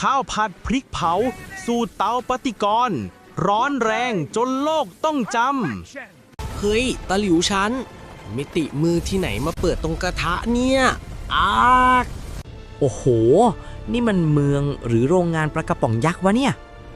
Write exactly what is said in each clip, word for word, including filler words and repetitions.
ข้าวผัดพริกเผาสู่เตาปฏิกรณ์ร้อนแรงจนโลกต้องจำเฮ้ยตะหลิวฉันมิติมือที่ไหนมาเปิดตรงกระทะเนี่ยอากโอ้โหนี่มันเมืองหรือโรงงานปลากระป๋องยักษ์วะเนี่ย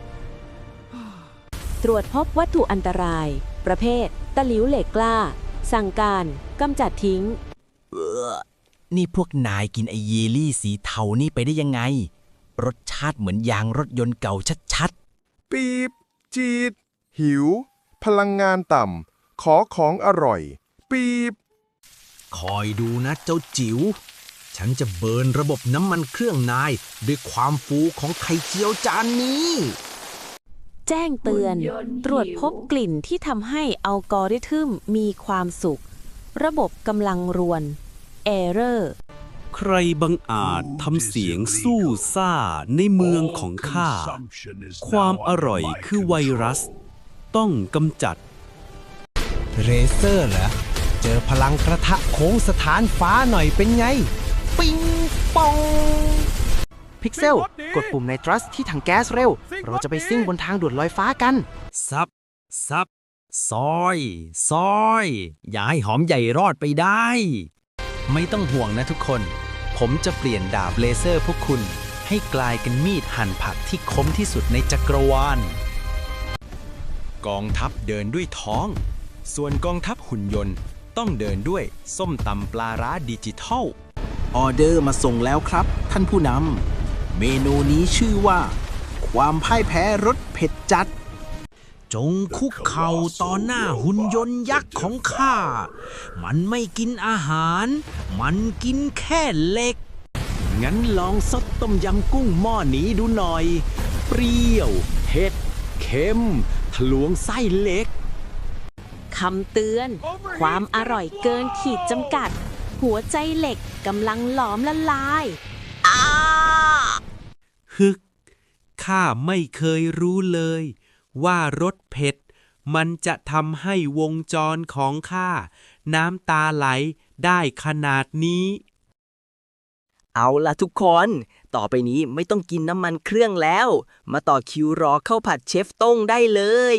ตรวจพบวัตถุอันตรายประเภทตะหลิวเหล็กกล้าสั่งการกำจัดทิ้งเออนี่พวกนายกินไอเยลลี่สีเทานี่ไปได้ยังไงรสชาติเหมือนยางรถยนต์เก่าชัดๆปีบจีดหิวพลังงานต่ำขอของอร่อยปีบคอยดูนะเจ้าจิ๋วฉันจะเบิร์นระบบน้ำมันเครื่องนายด้วยความฟูของไข่เจียวจานนี้แจ้งเตือนตรวจพบกลิ่นที่ทำให้อัลกอริทึมมีความสุขระบบกำลังรวนเอเรอร์ใครบังอาจทำเสียงสู้ซ่าในเมืองของข้าความอร่อยคือไวรัสต้องกำจัดเรเซอร์เหรอเจอพลังกระทะโค้งสถานฟ้าหน่อยเป็นไงปิงปองพิกเซลกดปุ่มไนตรัสที่ถังแก๊สเร็วเราจะไปซิ่งบนทางด่วนลอยฟ้ากันซับซับซอยซอยอย่าให้หอมใหญ่รอดไปได้ไม่ต้องห่วงนะทุกคนผมจะเปลี่ยนดาบเลเซอร์พวกคุณให้กลายเป็นมีดหั่นผักที่คมที่สุดในจักรวาลกองทัพเดินด้วยท้องส่วนกองทัพหุ่นยนต์ต้องเดินด้วยส้มตำปลาร้าดิจิทัลออเดอร์มาส่งแล้วครับท่านผู้นำเมนูนี้ชื่อว่าความพ่ายแพ้รสเผ็ดจัดจงคุกเข่าต่อหน้าหุ่นยนต์ยักษ์ของข้ามันไม่กินอาหารมันกินแค่เหล็กงั้นลองซดต้มยำกุ้งหม้อนี้ดูหน่อยเปรี้ยวเผ็ดเค็มทะลวงไส้เหล็กคำเตือนความอร่อยเกินขีดจำกัดหัวใจเหล็กกำลังหลอมละลายอ้าฮึกข้าไม่เคยรู้เลยว่ารสเผ็ดมันจะทำให้วงจรของข้าน้ำตาไหลได้ขนาดนี้เอาล่ะทุกคนต่อไปนี้ไม่ต้องกินน้ำมันเครื่องแล้วมาต่อคิวรอข้าวผัดเชฟต้งได้เลย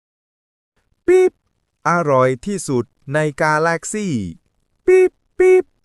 ปิ๊บอร่อยที่สุดในกาแล็กซี่ปิ๊บปิ๊บ